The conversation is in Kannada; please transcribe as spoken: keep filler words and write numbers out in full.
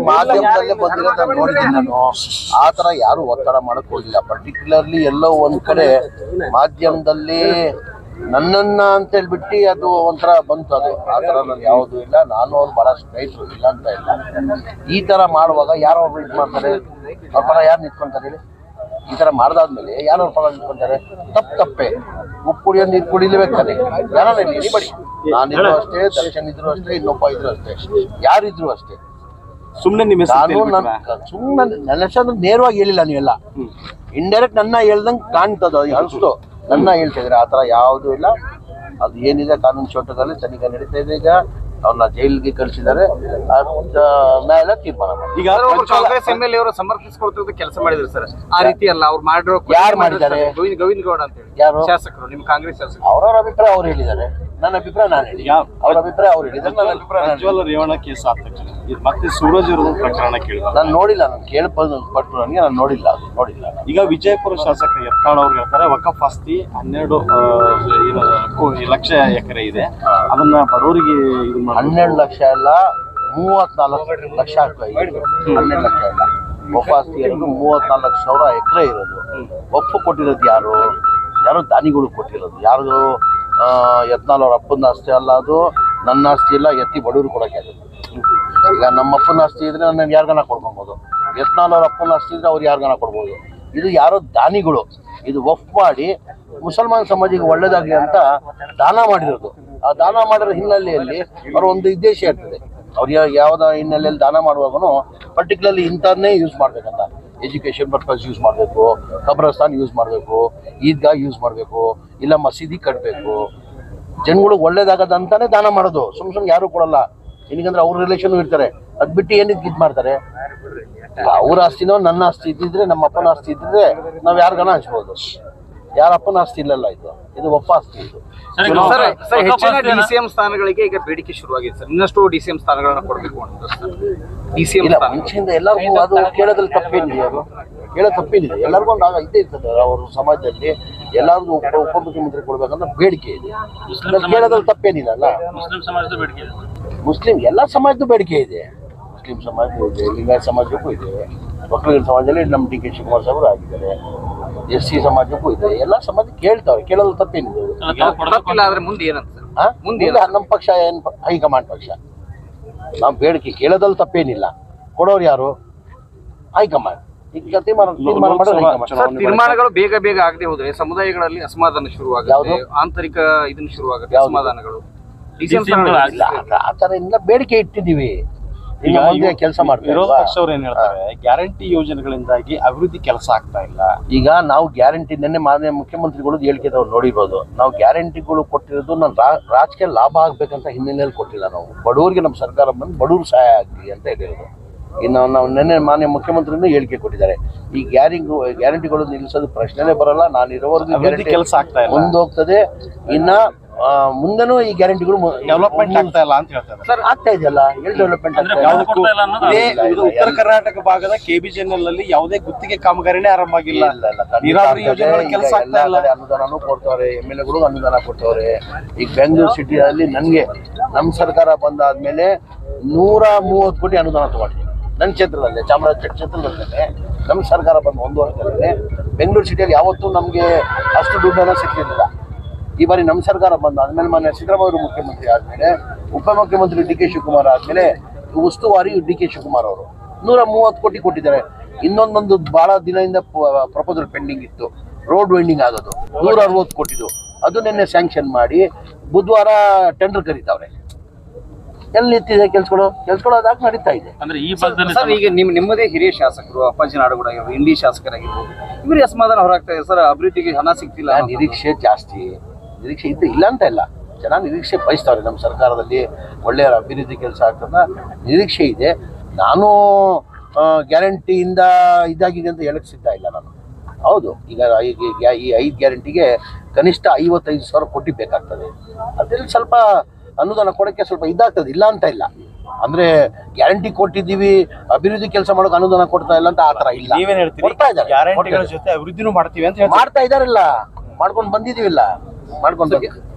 ಮಾಧ್ಯಮದಲ್ಲೇ ಬಂದಿರೋದು ನಾನು ನೋಡಿದ್ದೀನಿ. ನಾನು ಆ ಥರ ಯಾರು ಒತ್ತಡ ಮಾಡಕ್ ಹೋಗಿಲ್ಲ. ಪರ್ಟಿಕ್ಯುಲರ್ಲಿ ಎಲ್ಲೋ ಒಂದ್ ಕಡೆ ಮಾಧ್ಯಮದಲ್ಲಿ ನನ್ನನ್ನ ಅಂತ ಹೇಳ್ಬಿಟ್ಟು ಅದು ಒಂಥರ ಬಂತು. ಅದು ಆ ಥರ ನಾನು ಯಾವುದೂ ಇಲ್ಲ. ನಾನು ಅವ್ರು ಭಾಳ ಸ್ಟ್ರೈಟ್ರು ಇಲ್ಲ ಅಂತ ಇಲ್ಲ. ಈ ಥರ ಮಾಡುವಾಗ ಯಾರೋ ಒಬ್ರು ಇದು ಮಾಡ್ತಾರೆ, ಅವ್ರ ಪರ ಯಾರು ನಿಂತ್ಕೊಂತಾರೆ ಹೇಳಿ? ಈ ಥರ ಮಾಡ್ದಾದ್ಮೇಲೆ ಯಾರು ಅವ್ರ ಪರ ನಿಂತ್ಕೊಂತಾರೆ? ತಪ್ಪು ತಪ್ಪೆ. ಉಪ್ಪು ಕುಡಿಯೋ ನೀರು ಕುಡಿಲೇಬೇಕಾದ್ರೆ ಯಾರು ಇಲ್ಲಿ ಬಡಿ, ನಾನಿದ್ರು ಅಷ್ಟೇ, ದರ್ಶನ್ ಇದ್ರು ಅಷ್ಟೇ, ಇನ್ನೊಬ್ಬ ಇದ್ರು ಅಷ್ಟೇ, ಯಾರಿದ್ರು ಅಷ್ಟೇ. ಸುಮ್ಮನೆ ನಿಮ್ಮ ನಾನು ನನ್ನ ಸುಮ್ಮನೆ ನನ್ನ ಹೆಸರು ನೇರವಾಗಿ ಹೇಳಿಲ್ಲ. ನೀವೆಲ್ಲ ಇಂಡೈರೆಕ್ಟ್ ನನ್ನ ಹೇಳ್ದಂಗೆ ಕಾಣ್ತದ ಅನಿಸ್ತು. ನನ್ನ ಹೇಳ್ತಿದ್ರೆ ಆ ಥರ ಯಾವುದೂ ಇಲ್ಲ. ಅದು ಏನಿದೆ ಕಾನೂನು ಚೌಟದಲ್ಲಿ ತನಿಖೆ ನಡೀತಾ ಇದೆ. ಈಗ ಅವ್ರನ್ನ ಜೈಲಿಗೆ ಕಳಿಸಿದ್ದಾರೆ. ನ್ಯಾಯಾಲಯ ತೀರ್ಮಾನ ಮಾಡಿ. ಈಗ ಕಾಂಗ್ರೆಸ್ ಎಂ ಎಲ್ ಎ ಅವರು ಸಮರ್ಥಿಸಿಕೊಳ್ತಿರೋದು ಕೆಲಸ ಮಾಡಿದ್ರು ಸರ್. ಆ ರೀತಿ ಅಲ್ಲ ಅವ್ರು ಮಾಡಿರೋ ಯಾರು ಮಾಡಿದ್ದಾರೆ? ಗೋವಿಂದ ಗೋವಿಂದ ಗೌಡ ಅಂತ ಹೇಳಿ ಯಾರು ಶಾಸಕರು, ನಿಮ್ಮ ಕಾಂಗ್ರೆಸ್ ಶಾಸಕರು. ಅವ್ರವ್ರ ಅಭಿಪ್ರಾಯ ಅವ್ರು ಹೇಳಿದ್ದಾರೆ. ನನ್ನ ಅಭಿಪ್ರಾಯ ನಾನು ಹೇಳಿ, ಅವ್ರ ಅಭಿಪ್ರಾಯ ಅವ್ರು ಹೇಳಿದ್ದಾರೆ. ನನ್ನ ಅಭಿಪ್ರಾಯ ಪ್ರಜ್ವಲ್ ರೇವಣ್ಣ ಕೇಸ್ ಆದ ತಕ್ಷಣ ಮತ್ತೆ ಸೂರಜ್ ಅವ್ರ ಪ್ರಕರಣ ಕೇಳಿದ್ರು. ನಾನು ನೋಡಿಲ್ಲ. ನಾನು ಕೇಳ್ಬೋದು ಪಟ್ಟು ನನಗೆ ನಾನು ನೋಡಿಲ್ಲ. ಅದು ನೋಡಿಲ್ಲ. ಈಗ ವಿಜಯಪುರ ಶಾಸಕ ಯತ್ನಾಳ್ ಅವ್ರು ಹೇಳ್ತಾರೆ ವಕಫ್ ಆಸ್ತಿ ಹನ್ನೆರಡು ಲಕ್ಷ ಎಕರೆ ಇದೆ, ಅದನ್ನ ಬಡವರಿಗೆ ಹನ್ನೆರಡು ಲಕ್ಷ ಎಲ್ಲ ಮೂವತ್ನಾಲ್ಕು ಲಕ್ಷ ಹನ್ನೆರಡು ಲಕ್ಷ ಇಲ್ಲ. ವಕಫ್ ಆಸ್ತಿ ಇರೋದು ಮೂವತ್ನಾಲ್ಕು ಸಾವಿರ ಎಕರೆ ಇರೋದು. ಒಪ್ಪು ಕೊಟ್ಟಿರೋದು ಯಾರು? ಯಾರು ದಾನಿಗಳು ಕೊಟ್ಟಿರೋದು. ಯಾರು? ಯತ್ನಾಳ್ ಅವ್ರ ಅಪ್ಪನ ಆಸ್ತಿ ಅಲ್ಲ, ಅದು ನನ್ನ ಆಸ್ತಿ ಇಲ್ಲ. ಎತ್ತಿ ಬಡವರು ಕೊಡೋಕೆ ಆಗುತ್ತೆ. ಈಗ ನಮ್ಮ ಅಪ್ಪನ ಆಸ್ತಿ ಇದ್ರೆ ನಾನು ಯಾರಿಗಾನ ಕೊಡ್ಕೊಬೋದು. ಯತ್ನಾಳ್ ಅವ್ರ ಅಪ್ಪನ ಆಸ್ತಿ ಇದ್ರೆ ಅವ್ರು ಯಾರಿಗಾನ ಕೊಡ್ಬೋದು. ಇದು ಯಾರೋ ದಾನಿಗಳು ಇದು ವಫ್ ಮಾಡಿ ಮುಸಲ್ಮಾನ್ ಸಮಾಜಿಗೆ ಒಳ್ಳೇದಾಗಲಿ ಅಂತ ದಾನ ಮಾಡಿರೋದು. ಆ ದಾನ ಮಾಡಿರೋ ಹಿನ್ನೆಲೆಯಲ್ಲಿ ಅವ್ರ ಒಂದು ಉದ್ದೇಶ ಇರ್ತದೆ. ಅವ್ರು ಯಾವುದೋ ಹಿನ್ನೆಲೆಯಲ್ಲಿ ದಾನ ಮಾಡುವಾಗೂ ಪರ್ಟಿಕ್ಯುಲರ್ಲಿ ಇಂಥನ್ನೇ ಯೂಸ್ ಮಾಡಬೇಕಂತ. ಎಜುಕೇಷನ್ ಪರ್ಪಸ್ ಯೂಸ್ ಮಾಡಬೇಕು, ಕಬ್ರಸ್ತಾನ್ ಯೂಸ್ ಮಾಡಬೇಕು, ಈದ್ಗಾ ಯೂಸ್ ಮಾಡಬೇಕು, ಇಲ್ಲ ಮಸೀದಿ ಕಟ್ಟಬೇಕು, ಜನಗಳಿಗೆ ಒಳ್ಳೇದಾಗದಂತಾನೆ ದಾನ ಮಾಡೋದು. ಸುಮ್ ಸುಮ್ಮನೆ ಯಾರು ಕೊಡಲ್ಲ. ಏನಕ್ಕಂದ್ರೆ ಅವ್ರ ರಿಲೇಷನ್ ಇರ್ತಾರೆ. ಅದ್ ಬಿಟ್ಟು ಏನಕ್ಕೆ ಇದು ಮಾಡ್ತಾರೆ? ಅವ್ರ ಆಸ್ತಿನೋ ನನ್ನ ಆಸ್ತಿ ಇದ್ದಿದ್ರೆ, ನಮ್ಮ ಅಪ್ಪನ ಆಸ್ತಿ ಇದ್ದಿದ್ರೆ ನಾವು ಯಾರಿಗಾನ ಹಂಚ್ಬೋದು. ಯಾರ ಅಪ್ಪನ ಆಸ್ತಿ ಇಲ್ಲಲ್ಲ. ಇದು ಇದು ಒಪ್ಪ ಆಸ್ತಿ. ಇದು ಹೆಚ್ಚಿನ ಡಿಸಿಎಂ ಸ್ಥಾನಗಳಿಗೆ ಈಗ ಬೇಡಿಕೆ ಶುರುವಾಗಿದೆ ಸರ್. ಇನ್ನಷ್ಟು ಡಿಸಿಎಂ ಸ್ಥಾನಗಳನ್ನ ಕೊಡಬೇಕು ಅಂತ ಡಿಸಿಎಂ ಇಲ್ಲ ಮುಂಚೆಯಿಂದ ಎಲ್ಲರಿಗೂ ಅದು ಕೇಳೋದ್ರಲ್ಲಿ ತಪ್ಪೇನಿದೆ. ಅದು ಕೇಳೋ ತಪ್ಪೇನಿದೆ. ಎಲ್ಲರಿಗೂ ಒಂದು ಆಗ ಇದ್ದೇ ಇರ್ತದೆ. ಅವ್ರ ಸಮಾಜದಲ್ಲಿ ಎಲ್ಲರಿಗೂ ಉಪ ಉಪಮುಖ್ಯಮಂತ್ರಿ ಕೊಡ್ಬೇಕಂತ ಬೇಡಿಕೆ ಇದೆ. ಕೇಳೋದ್ರಲ್ಲಿ ತಪ್ಪೇನಿಲ್ಲ ಅಲ್ಲ. ಮುಸ್ಲಿಂ ಸಮಾಜದ ಬೇಡಿಕೆ ಇದೆ. ಮುಸ್ಲಿಂ ಎಲ್ಲ ಸಮಾಜದ ಬೇಡಿಕೆ ಇದೆ. ಮುಸ್ಲಿಂ ಸಮಾಜಕ್ಕೂ ಇದೆ, ಲಿಂಗಾಯತ ಸಮಾಜಕ್ಕೂ ಇದೆ, ಒಕ್ಕಲಿಗರ ಸಮಾಜದಲ್ಲಿ ನಮ್ಮ ಡಿ ಕೆ ಶಿವಕುಮಾರ್ ಸಾಹೇಬರು ಆಗಿದ್ದಾರೆ, ಎಸ್ ಸಿ ಸಮಾಜಕ್ಕೂ ಇದೆ. ಎಲ್ಲ ಸಮಾಜ ಕೇಳ್ತಾವೆ. ಕೇಳೋದು ತಪ್ಪೇನಿದೆ. ಮುಂದೆ ಏನಂತ ಮುಂದೆ ನಮ್ಮ ಪಕ್ಷ ಏನು ಹೈಕಮಾಂಡ್ ಪಕ್ಷ. ನಾವು ಬೇಡಿಕೆ ಕೇಳೋದ್ರಲ್ಲಿ ತಪ್ಪೇನಿಲ್ಲ. ಕೊಡೋರು ಯಾರು? ಹೈಕಮಾಂಡ್. ಈಗ ತೀರ್ಮಾನಗಳು ಬೇಗ ಬೇಗ ಆಗದೆ ಹೋದ್ರೆ ಸಮುದಾಯಗಳಲ್ಲಿ ಅಸಮಾಧಾನ ಶುರುವಾಗುತ್ತೆ. ಆಂತರಿಕ ಇದನ್ನ ಶುರುವಾಗುತ್ತೆ ಅಸಮಾಧಾನಗಳು. ಆ ತರ ಇಲ್ಲ. ಬೇಡಿಕೆ ಇಟ್ಟಿದ್ದೀವಿ. ಈಗ ಮುಂದೆ ಕೆಲಸ ಮಾಡ್ತೀವಿ. ವಿರೋಧ ಪಕ್ಷವರು ಏನ್ ಹೇಳ್ತಾರೆ, ಗ್ಯಾರಂಟಿ ಯೋಜನೆಗಳಿಂದಾಗಿ ಅಭಿವೃದ್ಧಿ ಕೆಲಸ ಆಗ್ತಾ ಇಲ್ಲ. ಈಗ ನಾವು ಗ್ಯಾರಂಟಿ ನೆನ್ನೆ ಮಾನ್ಯ ಮುಖ್ಯಮಂತ್ರಿಗಳು ಹೇಳಿಕೆದವ್ರು ನೋಡಿರ್ಬೋದು. ನಾವು ಗ್ಯಾರಂಟಿಗಳು ಕೊಟ್ಟಿರೋದು ನಾನು ರಾಜಕೀಯ ಲಾಭ ಆಗ್ಬೇಕಂತ ಹಿನ್ನೆಲೆಯಲ್ಲಿ ಕೊಟ್ಟಿಲ್ಲ. ನಾವು ಬಡವರಿಗೆ ನಮ್ಮ ಸರ್ಕಾರ ಬಂದು ಬಡವ್ರು ಸಹಾಯ ಆಗಲಿ ಅಂತ ಹೇಳಿರೋದು. ಇನ್ನು ನಾವು ನೆನ್ನೆ ಮಾನ್ಯ ಮುಖ್ಯಮಂತ್ರಿನೂ ಹೇಳಿಕೆ ಕೊಟ್ಟಿದ್ದಾರೆ. ಈ ಗ್ಯಾರಿಂಗು ಗ್ಯಾರಂಟಿಗಳು ನಿಲ್ಲಿಸೋದು ಪ್ರಶ್ನೆನೇ ಬರಲ್ಲ. ನಾನು ಇರೋವರೆಗೂ ಕೆಲಸ ಆಗ್ತಾ ಇಲ್ಲ, ಮುಂದೋಗ್ತದೆ. ಇನ್ನ ಮುಂದೆನೂ ಈ ಗ್ಯಾರಂಟಿಗಳು ಡೆವಲಪ್ಮೆಂಟ್ ಆಗ್ತಾ ಇಲ್ಲ ಅಂತ ಹೇಳ್ತಾರೆ ಸರ್. ಆಗ್ತಾ ಇದೆಯಲ್ಲ, ಎಲ್ಲಿ ಡೆವಲಪ್ಮೆಂಟ್ ಆಗ್ತಾ ಇಲ್ಲ? ಉತ್ತರ ಕರ್ನಾಟಕ ಭಾಗದ ಕೆಬಿಜೆಎನ್ಎಲ್ ಅಲ್ಲಿ ಯಾವುದೇ ಗುತ್ತಿಗೆ ಕಾಮಗಾರಿನೇ ಆರಂಭ ಆಗಿಲ್ಲ. ನೀರಾವರಿ ಯೋಜನೆಗಳ ಕೆಲಸ ಆಗ್ತಾ ಇಲ್ಲ. ಅನುದಾನನೂ ಕೊಡ್ತವ್ರೆ, ಎಮ್ ಎಲ್ ಎಗಳು ಅನುದಾನ ಕೊಡ್ತವ್ರೆ. ಈಗ ಬೆಂಗಳೂರು ಸಿಟಿಯಲ್ಲಿ ನನಗೆ ನಮ್ಮ ಸರ್ಕಾರ ಬಂದಾದ್ಮೇಲೆ ನೂರ ಮೂವತ್ತು ಕೋಟಿ ಅನುದಾನ ತಗೊಂಡಿದ್ದೀನಿ ನನ್ನ ಕ್ಷೇತ್ರದಲ್ಲಿ, ಚಾಮರಾಜ ಕ್ಷೇತ್ರದಲ್ಲೇ. ನಮ್ಮ ಸರ್ಕಾರ ಬಂದು ಒಂದು ವರ್ಷದಲ್ಲಿ ಬೆಂಗಳೂರು ಸಿಟಿಯಲ್ಲಿ ಯಾವತ್ತೂ ನಮಗೆ ಅಷ್ಟು ದುಡ್ಡನ್ನು ಸಿಕ್ಕಿರಲಿಲ್ಲ. ಈ ಬಾರಿ ನಮ್ಮ ಸರ್ಕಾರ ಬಂದ ಆದ್ಮೇಲೆ ಮಾನ್ಯ ಸಿದ್ದರಾಮಯ್ಯ ಮುಖ್ಯಮಂತ್ರಿ ಆದ್ಮೇಲೆ ಉಪಮುಖ್ಯಮಂತ್ರಿ ಡಿ ಕೆ ಶಿವಕುಮಾರ್ ಆದ್ಮೇಲೆ ಉಸ್ತುವಾರಿ ಡಿ ಕೆ ಶಿವಕುಮಾರ್ ಅವರು ನೂರ ಮೂವತ್ತು ಕೋಟಿ ಕೊಟ್ಟಿದ್ದಾರೆ. ಇನ್ನೊಂದೊಂದು ಬಹಳ ದಿನದಿಂದ ಪ್ರಪೋಸಲ್ ಪೆಂಡಿಂಗ್ ಇತ್ತು, ರೋಡ್ ವೆಂಡಿಂಗ್ ಆಗೋದು, ನೂರ ಅರವತ್ತು ಕೋಟಿದು. ಅದು ನಿನ್ನೆ ಸ್ಯಾಂಕ್ಷನ್ ಮಾಡಿ ಬುಧವಾರ ಟೆಂಡರ್ ಕರೀತಾವ್ರೆ. ಎಲ್ಲಿ ನಿಂತಿದೆ ಕೆಲ್ಸಗಳು? ಕೆಲ್ಸಗಳು ಅದಾಗ ನಡೀತಾ ಇದೆ. ಅಂದ್ರೆ ಈ ಭಾಗದಲ್ಲಿ ಸರ್ ಈಗ ನಿಮ್ ನಿಮ್ಮದೇ ಹಿರಿಯ ಶಾಸಕರು ಅಪ್ಪಾಜಿ ನಾಡುಗೌಡ ಆಗಿರ್ಬೋದು, ಇಂಡಿ ಶಾಸಕರಾಗಿರ್ಬೋದು, ಇವ್ರಿಗೆ ಅಸಮಾಧಾನ ಹೊರಾಗ್ತಾ ಇದೆ ಸರ್. ಅಭಿವೃದ್ಧಿಗೆ ಹಣ ಸಿಗ್ತಿಲ್ಲ. ನಿರೀಕ್ಷೆ ಜಾಸ್ತಿ, ನಿರೀಕ್ಷೆ ಇದ್ದು ಇಲ್ಲ ಅಂತ ಇಲ್ಲ. ಜನ ನಿರೀಕ್ಷೆ ಬಯಸ್ತಾವ್ರೆ. ನಮ್ಮ ಸರ್ಕಾರದಲ್ಲಿ ಒಳ್ಳೆಯ ಅಭಿವೃದ್ಧಿ ಕೆಲಸ ಆಗ್ತದ ನಿರೀಕ್ಷೆ ಇದೆ. ನಾನು ಗ್ಯಾರಂಟಿಯಿಂದ ಇದಾಗಿದೆ ಅಂತ ಹೇಳಕ್ ಸಿದ್ಧ ಇಲ್ಲ ನಾನು. ಹೌದು, ಈಗ ಈ ಐದು ಗ್ಯಾರಂಟಿಗೆ ಕನಿಷ್ಠ ಐವತ್ತೈದು ಸಾವಿರ ಕೋಟಿ ಬೇಕಾಗ್ತದೆ. ಅದ್ರಲ್ಲಿ ಸ್ವಲ್ಪ ಅನುದಾನ ಕೊಡೋಕ್ಕೆ ಸ್ವಲ್ಪ ಇದಾಗ್ತದೆ, ಇಲ್ಲ ಅಂತ ಇಲ್ಲ. ಅಂದ್ರೆ ಗ್ಯಾರಂಟಿ ಕೊಟ್ಟಿದ್ದೀವಿ, ಅಭಿವೃದ್ಧಿ ಕೆಲಸ ಮಾಡೋಕೆ ಅನುದಾನ ಕೊಡ್ತಾ ಇಲ್ಲ ಅಂತ ಆ ತರ ಇಲ್ಲ. ನೀವೇನ್ ಹೇಳ್ತೀರಿ? ಕೊಡ್ತಾ ಇದ್ದಾರೆ, ಗ್ಯಾರಂಟಿಗಳ ಜೊತೆ ಅಭಿವೃದ್ಧಿನೂ ಮಾಡ್ತೀವಿ ಅಂತ ಮಾಡ್ತಾ ಇದಾರಲ್ಲ, ಮಾಡ್ಕೊಂಡು ಬಂದಿದೀವಿಲ್ಲ, ಮಾಡ್ಕೊಂಡು